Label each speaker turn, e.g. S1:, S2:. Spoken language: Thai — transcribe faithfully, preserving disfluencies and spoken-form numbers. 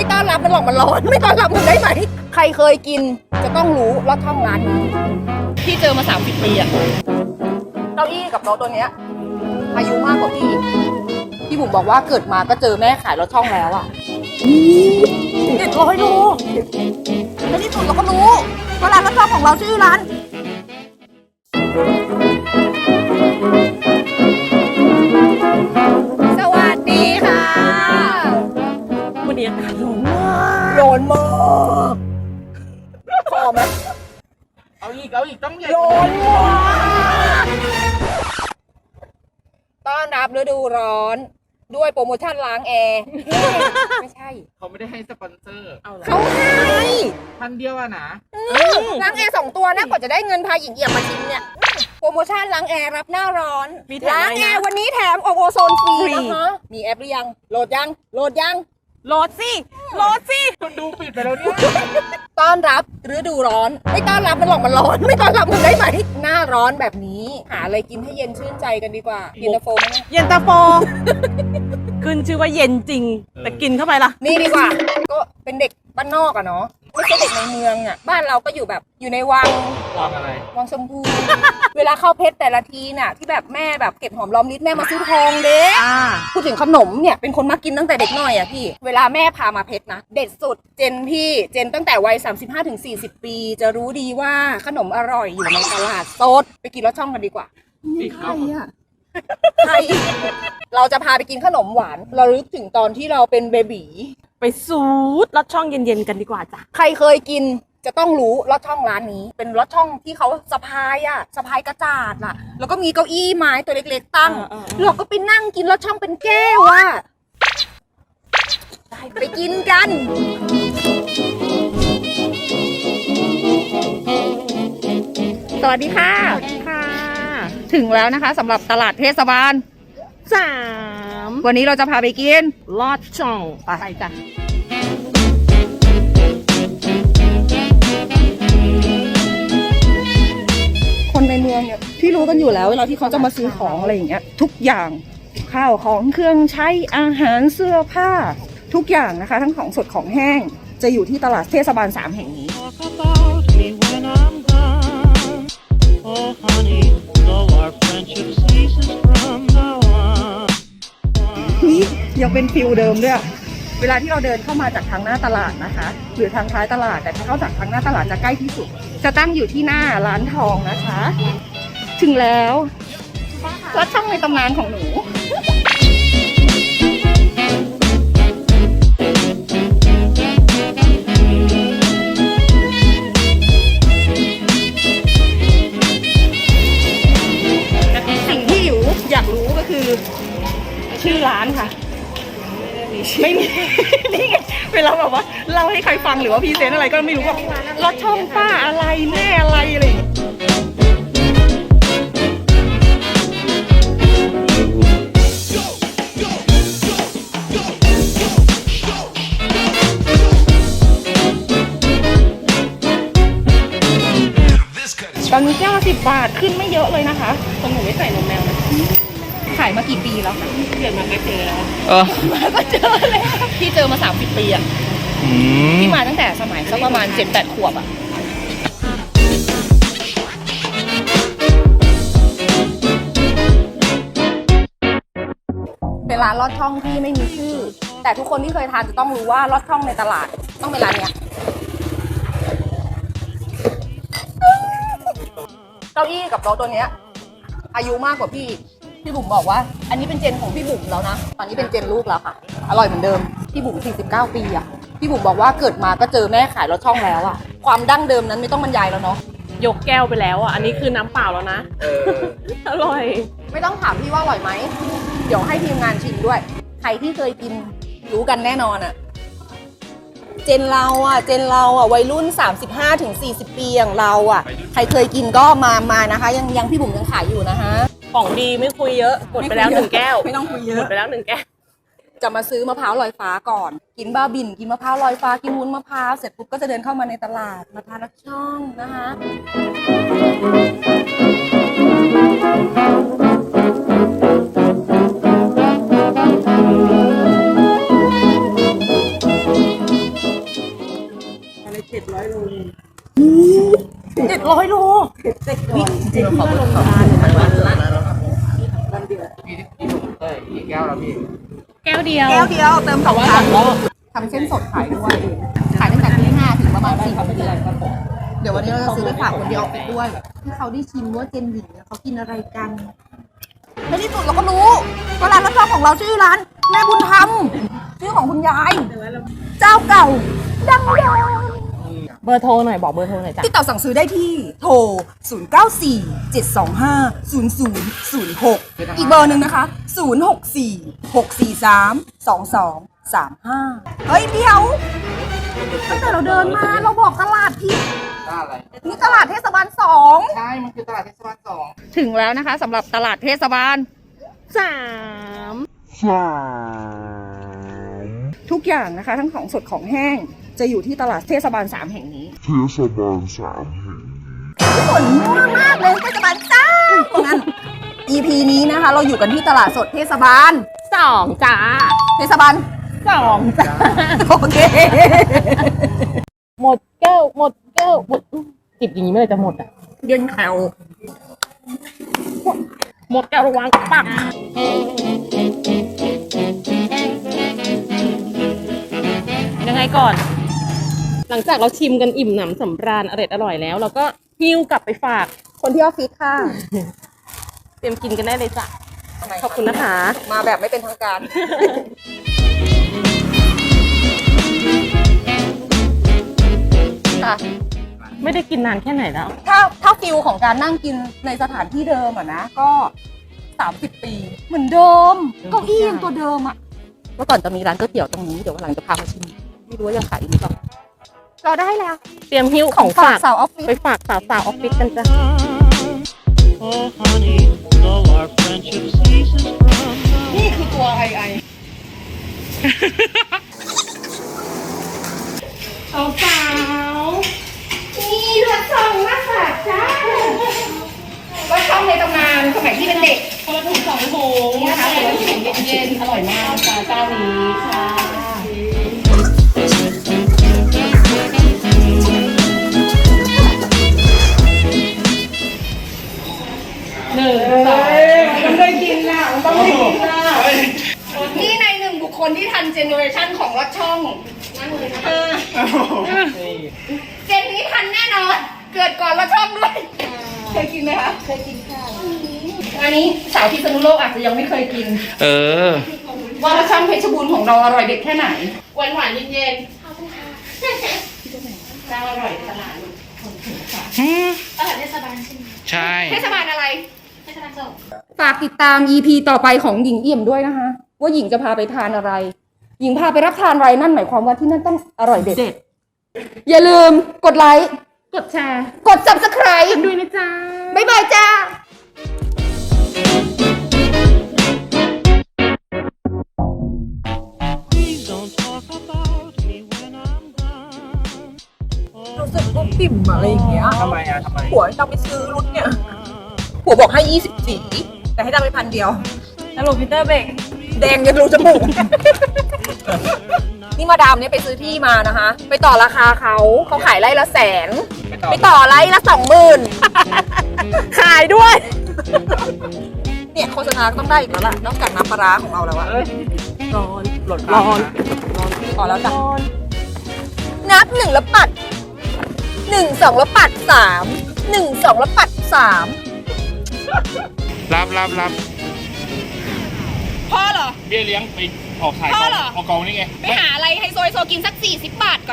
S1: ไม่ต้อนรับมันหรอกมันร้อนไม่ต้อนรับมันได้ไหมใครเคยกินจะต้องรู้รสช่องร้านนี้พี่เจอมาสามสิบปีอะเก้าอี้กับโต๊ะตัวเนี้ยอายุมากกว่าพี่พี่บุ๋มบอกว่าเกิดมาก็เจอแม่ขายรถช่องแล้วอะเด็ดร้อยโลในที่สุดเราก็รู้ว่าร้านรถช่องของเราชื่อร้านสวัสดีค่ะ
S2: วันนี้อากาศร้อนมาก
S1: ร้อนมากพอไหม
S3: เอาอีกเอาอีกต้องใหญ่
S1: ร้อนมากต้อนรับฤดูร้อนด้วยโปรโมชั่นล้างแอร์ไม่ใช่
S3: เขาไม่ได้ให้สปอนเซอร์
S1: เขาให้
S3: พันเดียวอะนะ
S1: ล้างแอร์สองตัวนะกว่าจะได้เงินพาหญิงเอี่ยมมาชิมเนี่ยโปรโมชั่นล้างแอร์รับหน้าร้อนล้างแอร์วันนี้แถมโอโซนฟรีนะคะมีแอปหรือยังโหลดยังโหลดยัง
S2: โหลดสิโหลดสิ
S3: คนดูปิดไปแล้วเนี่ย
S1: ต้อนรับฤดูร้อนไม่ต้อนรับมันหรอกมันร้อนไม่ต้อนรับมันได้ไหมหน้าร้อนแบบนี้หาอะไรกินให้เย็นชื่นใจกันดีกว่าเย็นตาโฟไหม
S2: เย็นตาโฟขึ้นชื่อว่าเย็นจริงแต่กินเข้าไปล่ะ
S1: นี่ดีกว่าก็เป็นเด็กบ้านนอกอะเนาะไม่ใช่เด็กในเมืองอะบ้านเราก็อยู่แบบอยู่ในวัง
S3: วังอะไร
S1: วังชมพูเวลาเข้าเพชรแต่ละทีน่ะที่แบบแม่แบบเก็บหอมรอมริบแม่มาซื้อทองเด้พูดถึงขนมเนี่ยเป็นคนมากินตั้งแต่เด็กหน่อยอะพี่เวลาแม่พามาเพชรนะเด็ดสุดเจนพี่เจนตั้งแต่วัย สามสิบห้าถึงสี่สิบ ปีจะรู้ดีว่าขนมอร่อยอยู่ในตลาดสดไปกินรสช่องกันดีกว่าใครอะใครเราจะพาไปกินขนมหวานเราลึกถึงตอนที่เราเป็นเบบี
S2: ไปสูดรสช่องเย็นๆกันดีกว่าจ้ะ
S1: ใครเคยกินจะต้องรู้รสช่องร้านนี้เป็นรสช่องที่เขาสะพายอะสะพายกระจาดน่ะแล้วก็มีเก้าอี้ไม้ตัวเล็กๆตั้งเราก็ไปนั่งกินรสช่องเป็นแก้วอะไปกินกันสวัสดีค่ะ
S2: สวัสดีค่ะ
S1: ถึงแล้วนะคะสำหรับตลาดเทศบาล
S2: สาม
S1: วันนี้เราจะพาไปกิน
S2: ลอดช่องไปจ้ะ
S1: คนในเมืองเนี่ยที่รู้กันอยู่แล้วเวลาที่เขาจะมาซื้อของอะไรอย่างเงี้ยทุกอย่างข้าวของเครื่องใช้อาหารเสื้อผ้าทุกอย่างนะคะทั้งของสดของแห้งจะอยู่ที่ตลาดเทศบาลสามแห่งนี้นี่ยังเป็นฟิลเดิมด้วยเวลาที่เราเดินเข้ามาจากทางหน้าตลาดนะคะหรือทางท้ายตลาดแต่ถ้าเข้าจากทางหน้าตลาดจะใกล้ที่สุดจะตั้งอยู่ที่หน้าร้านทองนะคะถึงแล้วรถช่องในตำนานของหนูสิ่งที่อยู่อยากรู้ก็คือชื่อร้านค่ะไม่มีนี่ไงเวลาแบบว่าเล่าให้ใครฟังหรือว่าพรีเซนต์อะไรก็ไม่รู้ว่ารถช่องป้าอะไรแม่อะไรอะไรตอนนี้แก้วสิบบาทขึ้นไม่เยอะเลยนะคะตรงหนูไม่ใส่นมแมวนะขายมากี่ปีแล้วคะเกิดมาก็เจอแล้วเออมาก็เจอเลยพี่เจอมาสามสิบปีอ่ะพี่มาตั้งแต่สมัยสักประมาณเจ็ดแปดขวบอ่ะเป็นร้านลอดช่องที่ไม่มีชื่อแต่ทุกคนที่เคยทานจะต้องรู้ว่าลอดช่องในตลาดต้องเป็นร้านเนี้ยเก้าอี้กับโต๊ะตัวเนี้ยอายุมากกว่าพี่พี่บุ๋มบอกว่าอันนี้เป็นเจนของพี่บุ๋มแล้วนะตอนนี้เป็นเจนลูกแล้วค่ะอร่อยเหมือนเดิมพี่บุ๋มสี่สิบเก้าปีอ่ะพี่บุ๋มบอกว่าเกิดมาก็เจอแม่ขายรถช่องแล้วอ่ะความดั้งเดิมนั้นไม่ต้องบรรยายแล้วเนาะ
S2: ยกแก้วไปแล้วอ่ะอันนี้คือน้ำเปล่าแล้วนะอร่อย
S1: ไม่ต้องถามพี่ว่าอร่อยไหมเดี๋ยวให้ทีมงานชิมด้วยใครที่เคยกินรู้กันแน่นอนอ่ะเจนเราอ่ะเจนเราอ่ะวัยรุ่น สามสิบห้าถึงสี่สิบ ปีอย่างเราอ่ะใครเคยกินก็มามานะคะยังยังพี่บุ๋มยังขายอยู่นะคะ
S2: ของดีไม่คุยเยอะหมดไปแล้วหนึ่งแก้ว
S1: ไม่ต้องคุยเยอะ
S2: หมดไปแล้วหนึ่งแก้ว
S1: จะมาซื้อมะพร้าวลอยฟ้าก่อนกินบ้าบิ่นกินมะพร้าวลอยฟ้ากินวุ้นมะพร้าวเสร็จปุ๊บก็จะเดินเข้ามาในตลาดมาทานรสช่องนะคะ
S2: เจ็ดร้อยโล
S1: เจ็ดร้อยโล
S2: เจ็ดก่อนเจ็ดที่ว่าลงทานวันละวันเดียว
S3: พี่พี่ผมเต้ยกี่แก้วแล้วพี่
S2: แก้วเดียว
S1: แก้วเดียวเติมสอง
S2: ว่า
S1: ค
S2: ส
S1: รั้
S2: อง งรอบ
S1: ทำเส้นสดขายด้วย ขายตั้งแต่ที่ห้าถึงประมาณสี่โมงเย็นเดี๋ยววันนี้เราจะซื้อไปฝากคนที่ออฟฟิศด้วยให้เขาได้ชิมว่าเจนหญิงเนี่ยเขากินอะไรกันในที่สุดเราก็รู้ว่าร้านรับรองของเราชื่อร้านแม่บุญธรรมชื่อของคุณยาย เจ้าเก่า ดังยาว
S2: เบอร์โทรหน่อยบอกเบอร์โทรหน่อยจ้ะ
S1: ติดต่อสั่งซื้อได้ที่โทร ศูนย์ เก้า สี่ เจ็ด สอง ห้า ศูนย์ ศูนย์ ศูนย์ หก อีกเบอร์หนึ่งนะคะ ศูนย์ หก สี่ หก สี่ สาม สอง สอง สาม ห้า เฮ้ยเดี๋ยวตั้งแต่เราเดินมาเราบอกตลาดผิด
S3: ตลาดอะไร
S1: นี่ตลาดเทศบาลสอง
S3: ใช่ มันคือตลาดเทศบาลสอง
S1: ถึงแล้วนะคะสำหรับตลาดเทศบาล
S2: สาม
S1: ทุกอย่างนะคะ ทั้งของสดของแห้งจะอยู่ที่ตลาดเทศบาลสามแห่งนี้
S4: เทศบาลสามแห่ง
S1: ฝนมั่วมากเลยเทศบาลจ้างั้น อี พี นี้นะคะ เราอยู่กันที่ตลาดสดเทศบาล
S2: สองจ้า
S1: เทศบาล
S2: สองจ้า
S1: โอเค
S2: หมดแก้วหมดแก้วหมดจิบอย่างนี้เมื่อไหร่จะหมดอ่ะ
S1: เย็นแถว
S2: หมดแก้วระวังปักยังไงก่อน หลังจากเราชิมกันอิ่มหนำสำราญอร่อยอร่อยแล้ว เราก็หิ้วกลับไปฝาก
S1: คนที่ออฟฟิศค่ะ
S2: เตรียมกินกันได้เลยจ้ะ ขอบคุณนะคะ
S1: มาแบบไม่เป็นทางการ ค่ะ
S2: ไม่ได้กินนานแค่ไหนแล้ว
S1: ถ้าถ้าฟิลของการนั่งกินในสถานที่เดิมอะนะ ก็สามสิบปี เหมือนเดิมเก้าอี้ยังตัวเดิมอะเมื่อก่อนจะมีร้านก๋วยเตี๋ยวตรงนี้ เดี๋ยววันหลังจะพามาชิม ไม่รู้ว่ายังขายอยู่หรือเปล่าเราได้แล้ว
S2: เตรียมหิ้ว
S1: ข
S2: ข
S1: อ
S2: อง ง
S1: ฝา
S2: ฝาก ก
S1: สาวออฟฟิศ
S2: ไปฝากสาวสาวๆออฟฟิศกันจ้ะ
S5: Oh, honey, though our friendship ceases from
S1: นี่คือตัวไอไอ
S2: สาวสาว
S1: นี่รถช่องมาฝากจ้ารถช่องในตำนานสมัยที่เป็นเด็ก
S2: คนละถุงสองถุงนะคะคนละถุงเย็นๆอร่อยมากจ้าเจ้านี้ค่ะหนึ่งสอง
S1: มันได้กินน่ะมันต้องได้กินน่ะนี่ในหนึ่งบุคคลที่ทันเจเนอเรชันของรถช่องนั่นเลยนะเจนนี้ทันแน่นอน เกิดก่อนรถช่องด้วย เคยกินไหมคะ เคยกินค่ะ อันนี้สาวพิษณุโลกอาจจะยังไม่เคยกิน
S3: เออ
S1: ว่ารสช่องเพชรบูรณ์ของเราอร่อยเด็ดแค่ไหน
S2: หวานหวานๆเย็น
S1: เจ้าอร่อยขนาด
S3: ใช่
S1: เทศบาลอะไร ฝากติดตาม อี พี ต่อไปของหญิงเอี่ยมด้วยนะคะ ว่าหญิงจะพาไปทานอะไร หญิงพาไปรับทานอะไรนั่นหมายความว่าที่นั่นต้องอร่อยเด็ด
S2: ๆเด็ด
S1: อย่าลืมกดไลค์
S2: กดแชร์
S1: กด ซับสไครบ์
S2: ด้วยนะจ๊ะ
S1: บ๊ายบายจ้า
S5: Please don't talk about me when I'm gone.
S1: รู้สึกว่าปิ่มอะไรอย่างเงี้ย
S3: ทำไมอ่ะทำไม
S1: ผัวจะไปซื้อรุ่นเนี่ย ผัวบอกให้ยี่สิบสี่แต่ให้ได้ไปพันเดียว
S2: สรุปพีเตอร์เบรก
S1: แดงยังรูจมูก นี่มาดามเนี่ยไปซื้อที่มานะคะ ไปต่อราคาเขา เขาขายไร่ละแสน ไปต่อไร่ละสองหมื่น
S2: ขายด้วย
S1: เนี่ยโฆษณาต้องได้อีกแล้วล่ะ นอกจากน้ำปลาร้าของเราแล้วอะ
S2: ร้อนร้อนร้อน
S1: พอแล้วจ้ะนับหนึ่งแล้วปัดหนึ่งสองแล้วปัดสามหนึ่งสองแล้วปัดสาม
S3: รับรับรับ
S1: พ่อเหรอ
S3: เบี้ยเลี้ยงไปออกขาย
S1: พ่อเหรอ
S3: เอากองนี่ไง
S1: ไปหาอะไรไฮโซไฮโซกินสักสี่สิบบาทก่อน